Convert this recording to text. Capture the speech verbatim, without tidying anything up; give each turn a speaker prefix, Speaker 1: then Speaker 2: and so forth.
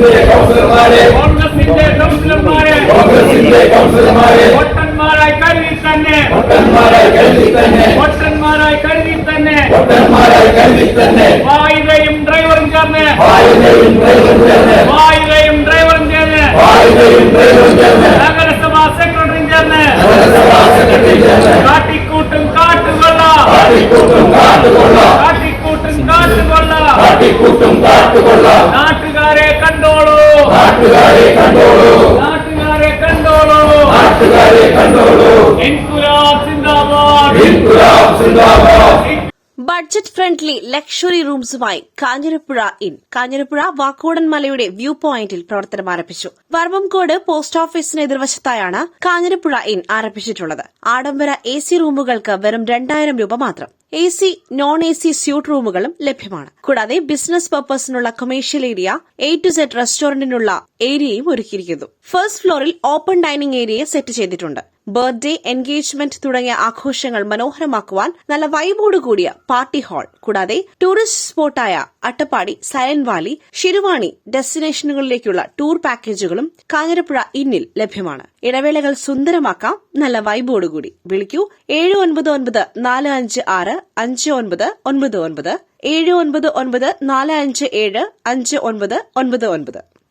Speaker 1: കോൺഗ്രസിന്റെ കൗൺസിലർമാരെ വോട്ടന്മാരായി കരുതി തന്നെ വോട്ടന്മാരായി കരുതി തന്നെ വായുകയും ഡ്രൈവറും ചേർന്ന് വായുകയും ഡ്രൈവറും ചേർന്ന് നഗരസഭാ സെക്രട്ടറിയും ചേർന്ന് കാട്ടിക്കൂട്ടും കാട്ടുകൊള്ള കാട്ടിക്കൂട്ടും കാട്ടുകൊള്ള നാട്ടുകാരെ കണ്ടോളൂ നാട്ടുകാരെ കണ്ടോളൂ ഇൻകുലാബ് സിന്ദാബാദ് ഇൻകുലാബ് സിന്ദാബാദ്.
Speaker 2: ബഡ്ജറ്റ് ഫ്രണ്ട്ലി ലക്ഷറി റൂംസുമായി കാഞ്ഞിരപ്പുഴ ഇൻ കാഞ്ഞിരപ്പുഴ വാക്കോടൻ മലയുടെ വ്യൂ പോയിന്റിൽ പ്രവർത്തനം ആരംഭിച്ചു. വർമ്മംകോട് പോസ്റ്റ് ഓഫീസിന് എതിർവശത്തായാണ് കാഞ്ഞിരപ്പുഴ ഇൻ ആരംഭിച്ചിട്ടുള്ളത്. ആഡംബര എ സി റൂമുകൾക്ക് വെറും രണ്ടായിരം രൂപ മാത്രം. A C non A C suite റൂമുകളും ലഭ്യമാണ്. കൂടാതെ ബിസിനസ് പർപ്പസിനുള്ള commercial area, A to Z റെസ്റ്റോറന്റിനുള്ള ഏരിയയും ഒരുക്കിയിരിക്കുന്നു. ഫസ്റ്റ് ഫ്ലോറിൽ ഓപ്പൺ ഡൈനിംഗ് ഏരിയ സെറ്റ് ചെയ്തിട്ടുണ്ട്. ബർത്ത്ഡേ, എൻഗേജ്മെന്റ് തുടങ്ങിയ ആഘോഷങ്ങൾ മനോഹരമാക്കുവാൻ നല്ല വൈബോട് കൂടിയ പാർട്ടി ഹാൾ, കൂടാതെ ടൂറിസ്റ്റ് സ്പോട്ടായ അട്ടപ്പാടി, സൈലന്റ് വാലി, ശിരുവാണി ഡെസ്റ്റിനേഷനുകളിലേക്കുള്ള ടൂർ പാക്കേജുകളും കാഞ്ഞിരപ്പുഴ ഇന്നിൽ ലഭ്യമാണ്. ഇടവേളകൾ സുന്ദരമാക്കാം നല്ല വൈബോടുകൂടി. വിളിക്കൂ ഏഴ് ഒൻപത് ഒൻപത് നാല് അഞ്ച് ആറ് അഞ്ച് ഒൻപത് ഒൻപത് ഒൻപത് ഏഴ് ഒൻപത് ഒൻപത് നാല് അഞ്ച് ഏഴ് അഞ്ച് ഒൻപത് ഒൻപത് ഒൻപത്.